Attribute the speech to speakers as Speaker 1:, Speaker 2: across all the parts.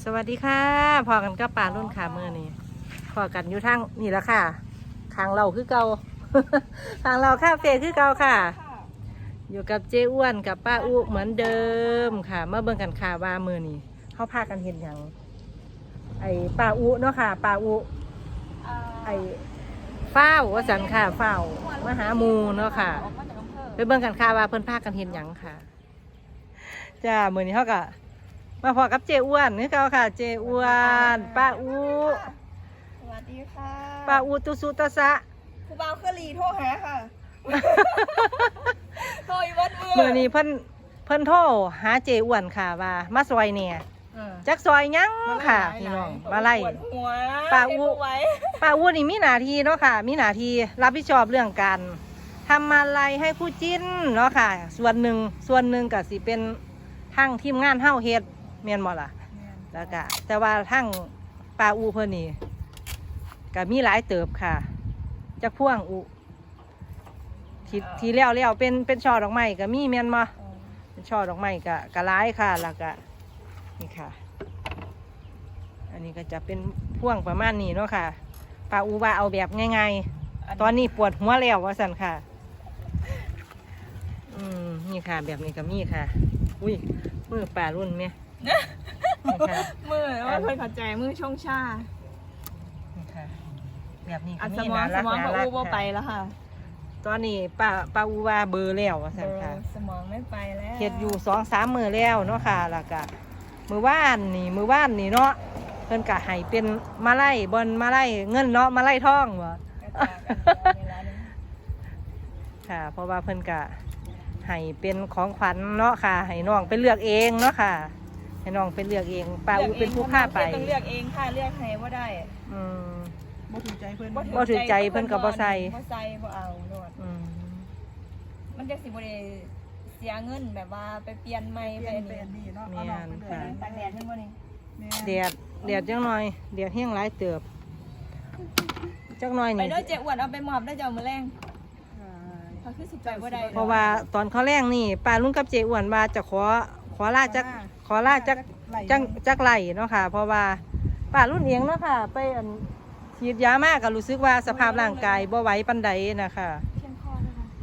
Speaker 1: สวัสดีค่ะพอกันก็ป่ารุ่นขามือนี่พอกันอยู่ทางนี่แล้วค่ะทางเราคือเก่า ทางเราคาเฟ่คือเก่าค่ะ อยู่กับเจ้อ้วนกับป้าอุเหมือนเดิมค่ะเมื่อเบิ่งกันค่ะว่ามือนี่เขาพากันเห็นอย่างไอ้ป้าอุเนาะค่ะป้าอุไอ้เฝ้าว่าสันค่ะเฝ้ามาหาหมูเนาะค่ะไปเบิ่งกันค่ะว่าเพิ่นพากันเห็นอย่างค่ะจ้ามือนี้เขาก็มาพอกับเจ้อ้วนนี่เขาค่ะเจ้อ้วนป้าอุ
Speaker 2: สวัสดีค่ะ
Speaker 1: ป้าอุตุสุตะสะ
Speaker 2: ครูบาวเคลีโทรหาค่ะโทรอีวัดมื
Speaker 1: มือนี้เพิ่นโทรหาเจ้อ้วนค่ะว่ามาซอยเนี่ยจักซอยยังค่ะพี่น้องมาไล่
Speaker 2: ปวดหัว
Speaker 1: ป้าอุ
Speaker 2: ให้ไว้
Speaker 1: ป้าอุนี่มีหน้าที่เนาะค่ะมีหน้าที่รับผิดชอบเรื่องการทำมาลัยให้คู่จิ้นเนาะค่ะส่วนหนึ่งก็สิเป็นทั้งทีมงานเฮาเฮ็ดแม่นบ่ล่ะแล้วก็แต่ว่าทั้งป้าอุเพิ่นนี่ก็มีหลายเติบค่ะจักพ่วงอุที่แล้วเป็นช่อดอกไม้ก็มีแม่นบ่เป็นช่อดอกไม้ก็หลายค่ะแล้วก็นี่ค่ะอันนี้ก็จะเป็นพ่วงประมาณนี้เนาะค่ะป้าอูว่าเอาแบบง่ายๆตอนนี้ปวดหัวแล้วว่าสันค่ะนี่ค่ะแบบนี้ก็มีค่ะอุ้ยมือป่ารุ่นไหมนี่ค่ะ
Speaker 2: มือว่าเพื่อนเข้าใจมือช่องชา
Speaker 1: นี่ค่ะแบบนี้
Speaker 2: อั
Speaker 1: ก็
Speaker 2: นส
Speaker 1: มี
Speaker 2: มอง
Speaker 1: น่า
Speaker 2: ส
Speaker 1: รัก
Speaker 2: มอง
Speaker 1: น่า
Speaker 2: ป้า
Speaker 1: รัก
Speaker 2: อูว่าไป
Speaker 1: ค่ะ
Speaker 2: แล้วค่ะ
Speaker 1: ตอนนี้ป้าอูว่าเบอร์แล้วว่าสันค่ะ
Speaker 2: สมองไม่ไปแล้ว
Speaker 1: เฮ็ดอยู่2-3 มื้อแล้วเนาะค่ะแล้วก็มื้อวานนี่เนาะเพิ่นก็ให้เป็นมาไล่บนมาไล่เงินเนาะมาไล่ทองบ่
Speaker 2: กระจายกันเวลานี้
Speaker 1: ค่ะเพราะว่าเพิ่นก็ให้เป็นของขวัญเนาะค่ะให้น้องไปเลือกเองเนาะค่ะให้น้องไปเลือกเองป้าอูเป็นผู้พาไป
Speaker 2: ต้องเลือกเองค่ะเลือกให้ว่าได้
Speaker 1: อืม
Speaker 3: บ่ถูกใจเพิ่น
Speaker 1: บ่ถูกใจเพิ่นก็บ่ใส่
Speaker 2: บ่ใส่บ่เอาโดด
Speaker 1: อืม
Speaker 2: มันจะสิบ่ได้เสียเงินแบบว่าไปเปลี่ยนใหม่
Speaker 3: เป
Speaker 2: ไป
Speaker 3: ลี่ยน
Speaker 2: อัน
Speaker 3: เป็น
Speaker 2: นี้
Speaker 3: นี่เนาะเอาน้องไปเลย
Speaker 2: ตากแดดเห็นบ่นี่
Speaker 3: แม่
Speaker 1: แดดจังหน่อยแดดแห้งหลายเติบจักหน่อย
Speaker 2: ไป
Speaker 1: นี่
Speaker 2: เด้อเจ๊อ้วนเอาไปหมอบได้เจ้ามื้อแรงเขาคือสิไปบ่ได้
Speaker 1: เพราะว่าตอนเขาแรงนี่ป้าลุงกับเจอ้วนว่าจะขอลาจักไหลเนาะค่ะ เพราะว่าป้ารุ่นเองเนาะค่ะ ไปฉีดยามากก็รู้สึกว่าสภาพร่างกายบ่ไหวปานใดนะคะ
Speaker 2: เชียงคอด้วยค่ะ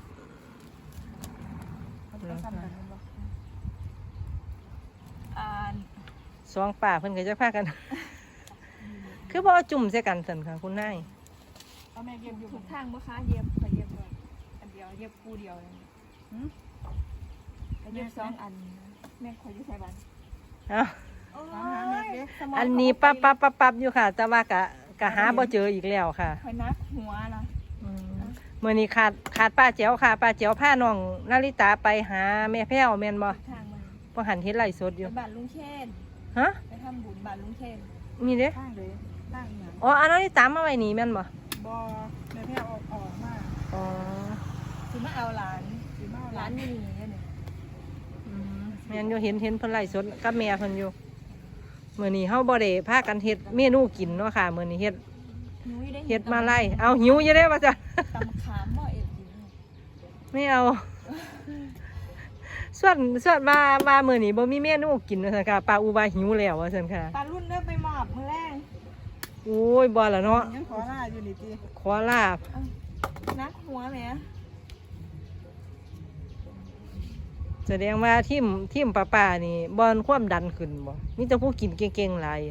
Speaker 2: อ่า
Speaker 1: สองป่าเพิ่นก็จะพากัน คือบ่เอาจุ่มใส่กันสั่นค่ะคุณนาย
Speaker 3: เอาแม่เก็บอยู่
Speaker 2: ทุกทางบ่คะเย็บขอเย็บก่อนอันเดียวเย็บคู่เดียวเลยเย็บ2 อันแม่ขออยู่ไสบ้าน
Speaker 1: เอ้า
Speaker 3: ตามหาแม่เก็บ
Speaker 1: อันนี้ปั๊บอยู่ค่ะ แต่ว่ากะหาบ่เจออีกแล้วค่ะ
Speaker 2: คอยนักหัวนะ
Speaker 1: มื้อนี้ขาดป้าแจ๋วค่ะป้าแจ๋วพาน้องนาริตาไปหาแม่แพ้วแม่นบ่
Speaker 2: ทางมัน
Speaker 1: บ่หันเฮ็ดไร่สดอยู่
Speaker 2: ไปบ้านลุงเชน
Speaker 1: ฮะ
Speaker 2: ไปทำบุญบ้านลุงเชน
Speaker 1: มีเด้
Speaker 3: ข้างเลยตั้งหยัง
Speaker 1: อ๋ออันนาริตามาไว้นี่แม่นบ่
Speaker 3: บ่แม่แพ้ออกมา
Speaker 1: อ๋อ
Speaker 2: สิมาเอาหลาน
Speaker 3: สิมา
Speaker 2: หลานนี่นี่เนี่ย
Speaker 1: แม่นอยู่เห็นเพิ่นไร่สดกับแม่เพิ่นอยู่มื้อนี้เฮาบ่ได้พากันเฮ็ดเมนูกินเนาะค่ะมื้อนี้เฮ็ดมาไล่เอาหิวอยู่เด้ว่าจ้ะ
Speaker 2: ตำขามบ่เอ็ดอยู่
Speaker 1: ไม่เอา ส่วนมามื้อนี้บ่มีเมนูกินว่าซั่นค่ะป้าอูว่าหิวแล้วว่าซั่นค่ะ
Speaker 2: ปลารุ่นเด้อไปหมอบมื้อแรง
Speaker 1: โอ้ยบ่ล่ะเนาะ
Speaker 3: ยังขอลาอยู่นี่ติ
Speaker 1: ขอลาบ
Speaker 2: นักหัวแหม
Speaker 1: แสดงว่าทีมป้านี่บ่อนความดันขึ้นบ่มีแต่ผู้กินเก่งๆหลาย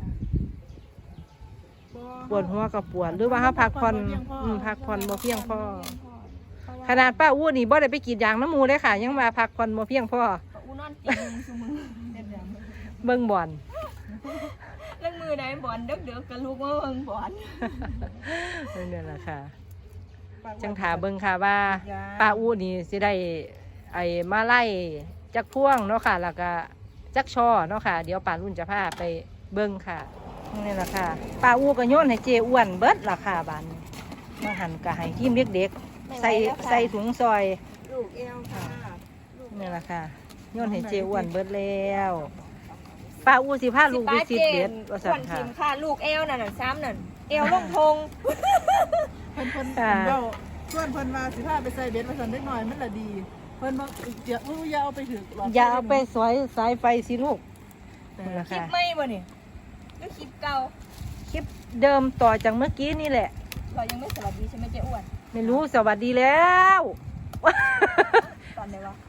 Speaker 1: ปวดหัวก็ปวดหรือว่าเฮาพักผ่อนพักผ่อนบ่เพียงพอขนาดป้าอู้นี่บ่ได้ไปกรีดยางน้ำหมูเลยค่ะ ยังมาพักผ่อนบ่เพียงพอ
Speaker 2: อูนอนติ่งซุมื้อ
Speaker 3: เฮ็ดหยัง
Speaker 1: เบิ่งบ่อน
Speaker 2: เรื่องมือใดบ่อนเด้อๆก็ลุกมาเบิ่งบ่อน
Speaker 1: นั่นแหละค่ะ จังถาเบิ่งค่ะว่าป้าอู้นี่สิได้ไอ้มาไล่จักพ่วงเนาะค่ะ แล้วก็จักช่อเนาะค่ะ เดี๋ยวป้ารุ่นจะพาไปเบิ่งค่ะนี่แหละค่ะป้าอู้ก็โยนให้เจอ้วนเบิดล่ะค่ะบานนี้มาหั่นก็ให้ทีมเด็กๆใส่ถุงซอย
Speaker 2: ลูกเอวค่ะ
Speaker 1: นี่แหละค่ะโยนให้เจอ้วนเบิดแล้วป้าอู้สิพาลูกวิสิตเด็ดว่า
Speaker 2: ส่
Speaker 1: ซั่
Speaker 2: วน น
Speaker 1: ค่ะ
Speaker 2: ทีมค่ะลูกเอวนั่นน่ะซ้ำนั่นเอวลงทง
Speaker 3: เพิ่นเว้าชวนเพิ่นว่าสิพาไปใส่เบ็ดว่าซั่นเด็กน้อยมันละดี เพิ่นบ่อย่าเอาไปถึกหลอด
Speaker 1: อย่าเอาไปสอยสายไฟสิลูกนั่นแหละ
Speaker 2: คลิป
Speaker 1: ค่ะ
Speaker 2: ใหม่บ่นี่หรือคลิปเก่า
Speaker 1: คลิปเดิมต่อจากเมื่อกี้นี่แหละ
Speaker 2: เรายังไม่สวัสดีใช่ไหมเจ๊อ้วน
Speaker 1: ไม่รู้สวัสดีแล้ว
Speaker 2: ตอนไหนวะ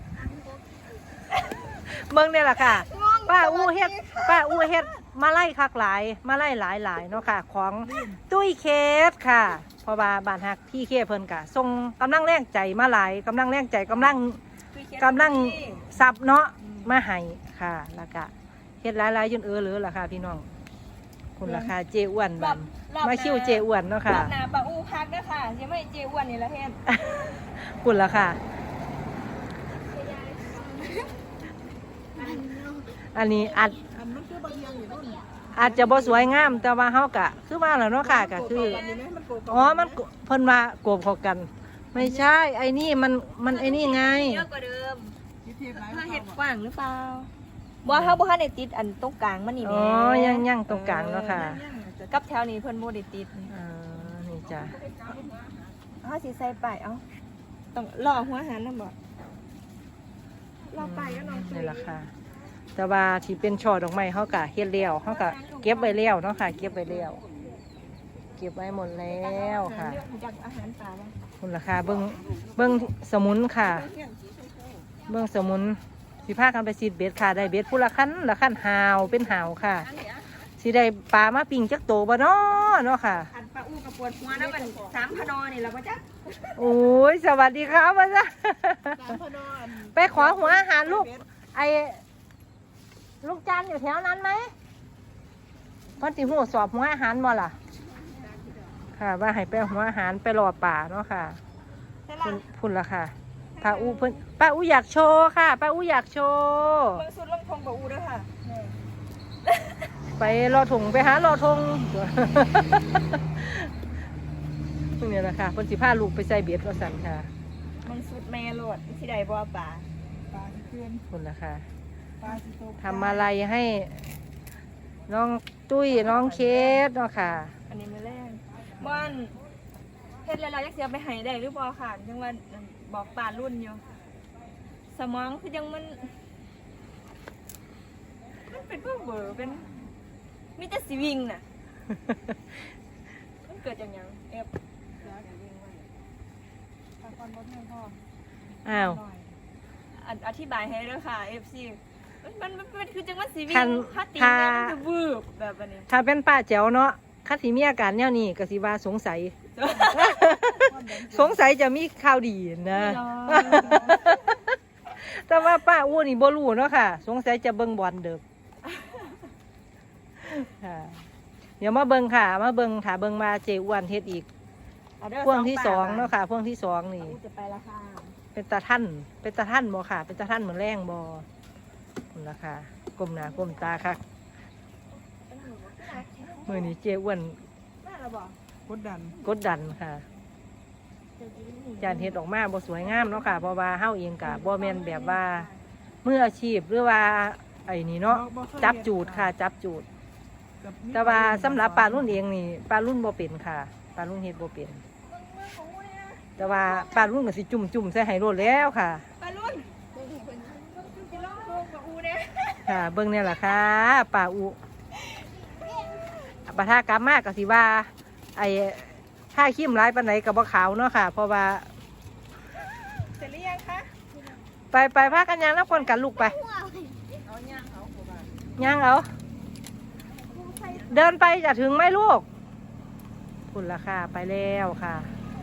Speaker 1: เบิ่งเนี่ยแหละค่ะ ป้าอู้เฮ็ดมาไล่คักหลายมาไล่หลายเนาะค่ะ ของตุ้ยเคสค่ะเพราะว่าบ้านฮักพี่เคเพิ่นกะส่งกำลังแรงใจมาหลายกำลังแรงใจกำลังซับเนาะมาให้ค่ะแล้วก็เฮ็ดหลายๆจนเหลือล่ะค่ะพี่น้องคุณราคาเจอ้วนบันมาคิวเจอ้วนเนาะค่ะ
Speaker 2: รอบหน้าป้าอู้พักนะค่ะยังไม่เจ๊อ้วนนี่ละเฮ็ด
Speaker 1: คุณราคาอันนี้อัด
Speaker 3: อันมันคือบางอย่างอยู่นู่น
Speaker 1: อาจจะบ่สวยงามแต่ว่าเฮากะคือว่าแล้วเนาะค่ะก็คือ
Speaker 3: อันนี้ไหมมันโกง
Speaker 1: อ๋อมันเพิ่นว่าโกบเข้ากัน ไม่ใช่ไอ้นี่มันไอ้นี่ไง
Speaker 2: เยอะกว่าเดิม
Speaker 3: ที่เทียบไร
Speaker 2: ถ้าเห็ดกว้างหรือเปล่าบ่เฮาบ่ทันได้ติดอันตรงกลางมันนี่แห
Speaker 1: อ๋
Speaker 2: ม่
Speaker 1: อยังตรงกลางเนาะค่ะ
Speaker 2: กับแถวนี้เพิ่นบ่ได้ติด
Speaker 1: นี่จ้ะ
Speaker 2: เฮาสิใส่ป้ายเอ้าต้องรอหัวหันนำบ่รอป้ายก็น้อง
Speaker 1: นี่แหละค่ะ แต่ว่าที่เป็นช่อดอกไม้เฮากะเฮ็ดแล้วเฮากะเก็บไว้แล้วเนาะค่ะ เก็บไว้แล้วเก็บไว้หมดแล้วค่ะ
Speaker 2: เลือกจากอาหารป่าบ่
Speaker 1: คุณราคาเบิ่งสมุนค่ะ เบิ่งสมุนสิพากันไปซีดเบ็ดค่ะได้เบ็ดผู้ละคันหาวเป็นหาวค่ะสิได้ปลามาปิ้งจักโตบ่เนาะค่ะ
Speaker 2: อันป้าอู้กับปวดหัวนะมัน3พนนี่ล่ะบ่จ๊ะ
Speaker 1: โอ้ยสวัสดีครับว่าจ้ะ
Speaker 3: สามพนอน
Speaker 1: ไปขอหัวอาหารลูกไอ้ลูกจันอยู่แถวนั้นไหมพ่อติหัวสอบหัวอาหารบ่ล่ะ ค่ะ ว่าให้ไปหัวอาหารไปรอป่าเนาะค่ะ
Speaker 2: ใช่ล่ะ
Speaker 1: พุ่นละค่ะป้าอูเพิ่นป้าอูอยากโชว์ค่ะป้าอูอยากโชว์
Speaker 2: เบิ่งสุดลงทงป้าอู้เด้อค่ะ
Speaker 1: ไปรอถุงไปหารอทง พวกนี้แหละค่ะเพิ่นสิพาลูกไปใส่เบ็ดว่าสั่นค่ะ
Speaker 2: มันสุดแม่โลดสิได้บ่ป่า
Speaker 3: ปลาที่ขึ้น
Speaker 1: พุ่นละค่ะ
Speaker 3: ปลาที่ตก
Speaker 1: ทำอะไรให้น้องตุ้ยน้องเคสเนาะค่ะ
Speaker 2: อันนี้มื้อแรกบ่อนเฮ็ดแล้วเราอยากสิเอาไปให้ได้หรือบ่ค่ะจังว่าบอกป่ารุ่นอยู่สมองคือยังมันเป็นพวกเบอร์เป็นมีแต่สิวิ่งน่ะ มันเกิดจากหยังเอฟ
Speaker 3: ปลาคอนบดเงินพ่อ
Speaker 1: อ้าว
Speaker 2: อธิบายให้ด้วยค่ะ FC มันคือจังว่าสิวิ่
Speaker 1: คั
Speaker 2: ง
Speaker 1: น
Speaker 2: ถ้าตี
Speaker 1: ถ้า
Speaker 2: เนี่ยมันจะวืบแบบอันนี้
Speaker 1: ถ้าเป็นป้าแจ๋วเนาะคัดสีมีอาการแนวนี้ก็สิว่าสงสัย สงสัยจะมีข่าวดีนะ แต่ว่าป้าอ้วนนี่บ่รู้เนาะค่ะ สงสัยจะเบิ่งบอลเด้อค่ะ เดี๋ยวมาเบิ่งค่ะ มาเบิ่งถ้าเบิ่งมาเจอ้วนเฮ็ดอีก พ่วงที่สองเนาะค่ะพ่วงที่สองนี่
Speaker 2: จะไปละค่ะ
Speaker 1: เป็นตาท่านบ่ค่ะ เป็นตาท่านเหมือนแรงบ่คุณราคากลมหน้ากลมตาค่ะมือนี้เจอ้วน
Speaker 2: แม่เราบอก
Speaker 3: กดดัน
Speaker 1: กดดันค่ะจานเฮ็ดออกมาบ่สวยงามเนาะค่ะ เพราะว่าเฮาเองก็บ่แม่นแบบว่ามืออาชีพหรือว่าไอ้นี่เนาะจับจูดค่ะ จับจูด แต่ว่าสำหรับปลารุ่นเองนี่ปลารุ่นบ่เป็นค่ะปลารุ่นเฮ็ดบ่เป็น แต่ว่าปลารุ่นก็สิจุ่มใส่ให้โลดแล้วค่ะ
Speaker 2: ปลาลุ่นจะลองโคกกับอูเนี่ย
Speaker 1: ค่ะ เบิ่งเนี่ยแหละค่ะปลาอุปะทากลับมากก็สิว่า ไอ้ถ้าขี้มร้ายปานไหนกับบ่ขาวเนาะค่ะ เพราะว่า
Speaker 2: เสร็จหรือยังคะ
Speaker 1: ไปพากันย่างแล้วคนกันลูกไป
Speaker 2: เอาเนี่ยเอา
Speaker 1: ย่างเอาเดินไปจะถึงไหมลูกคุณราคาไปแล้วค่ะ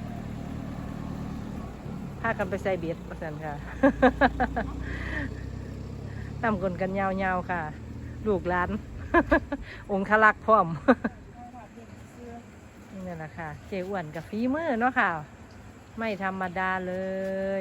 Speaker 1: พากันไปใส่เบ็ดประสันค่ะ นำคนกันยาวๆค่ะ ลูกหลาน องคลักษ์พร้อม นี่แหละค่ะ เจ้อ้วนกับฝีมือเนาะค่ะ ไม่ธรรมดาเลย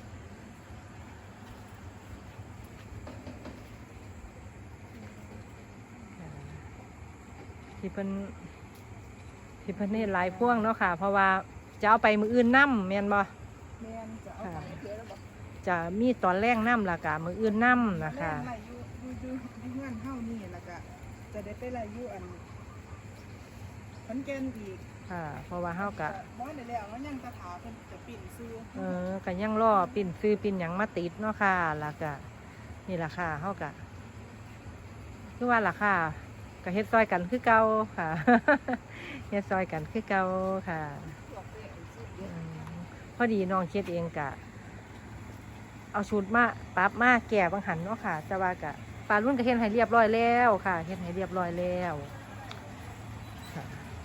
Speaker 1: ที่เพิ่นเฮ็ดหลายพ่วงเนาะค่ะ เพราะว่าจะเอาไปมืออื่นน้ำแม่นบ่
Speaker 3: แม่นจะเอาไปเทแล้วบอก
Speaker 1: จะมีตอนแรกน้ำละกะมืออื่นน้ำนะคะ
Speaker 3: แม่นไหลอยู่งานเฮานี่แล้วก็จะได้ไปไหลอยู่อันขอนแก่นอีก
Speaker 1: ค่ะ เพราะว่าเฮากะ
Speaker 3: บ่ได้แล้วมันยังตะถาเพิ่นจะปิ่นซื้อ
Speaker 1: ก็ยังรอปิ่นซื้อปิ่นหยังมาติดเนาะค่ะแล้วก็นี่ล่ะค่ะเฮากะคือว่าล่ะค่ะก็เฮ็ดซอยกันคือเก่าค่ะ เฮ็ดซอยกันคือเก่าค่ะอืมพอดีน้องเฮ็ดเองกะ เอาชุดมาปรับมาแก่บางหันเนาะค่ะแต่ว่ากะปลารุ่นก็เฮ็ดให้เรียบร้อยแล้วค่ะเฮ็ดให้เรียบร้อยแล้วค่ะ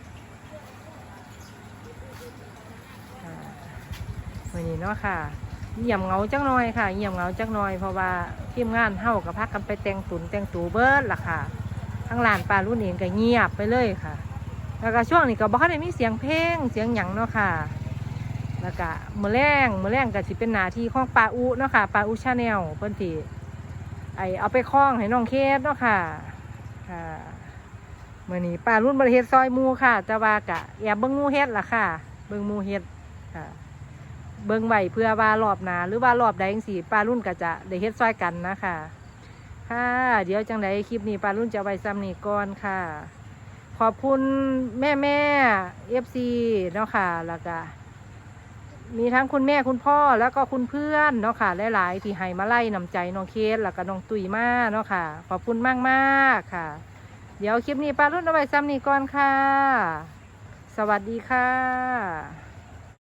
Speaker 1: ค่ะวันนี้เนาะค่ะเงียบเหงาจังหน่อยค่ะเงียบเหงาจังหน่อยเพราะว่าทีมงานเฮากับพักกันไปแต่งตุนแต่งตูเบิดล่ะค่ะทั้งร้านปลารุ่นเองก็เงียบไปเลยค่ะ แล้วก็ช่วงนี้ก็บ่ค่อยได้มีเสียงเพลงเสียงหยังเนาะค่ะ แล้วก็มื้อแรงก็สิเป็นหน้าที่ของปาอุเนาะค่ะปาอุชาแนลเพิ่นสิเอาไปคล้องให้น้องเคสเนาะค่ะค่ะมื้อนี้ปลารุ่นบ่ได้เฮ็ดซอยหมู่ค่ะแต่ว่ากะแอบเบิ่งหมู่เฮ็ดล่ะค่ะเบิ่งหมู่เฮ็ดค่ะเบิ่งไว้เพื่อว่ารอบหน้าหรือว่ารอบใดจังซี่ปลารุ่นก็จะได้เฮ็ดซอยกันนะคะค่ะเดี๋ยวจังไดคลิปนี้ปลารุ่นจะเอาไว้ซ้ำนี้ก่อนค่ะ ขอบคุณแม่FC เนาะค่ะแล้วก็มีทั้งคุณแม่คุณพ่อแล้วก็คุณเพื่อนเนาะค่ะหลายๆที่ให้มาไล่นำใจน้องเคสแล้วก็น้องตุ๋ยมาเนาะค่ะขอบคุณมากๆค่ะ เดี๋ยวคลิปนี้ปารุ่นเอาไว้ซ้ำนี้ก่อนค่ะ สวัสดีค่ะ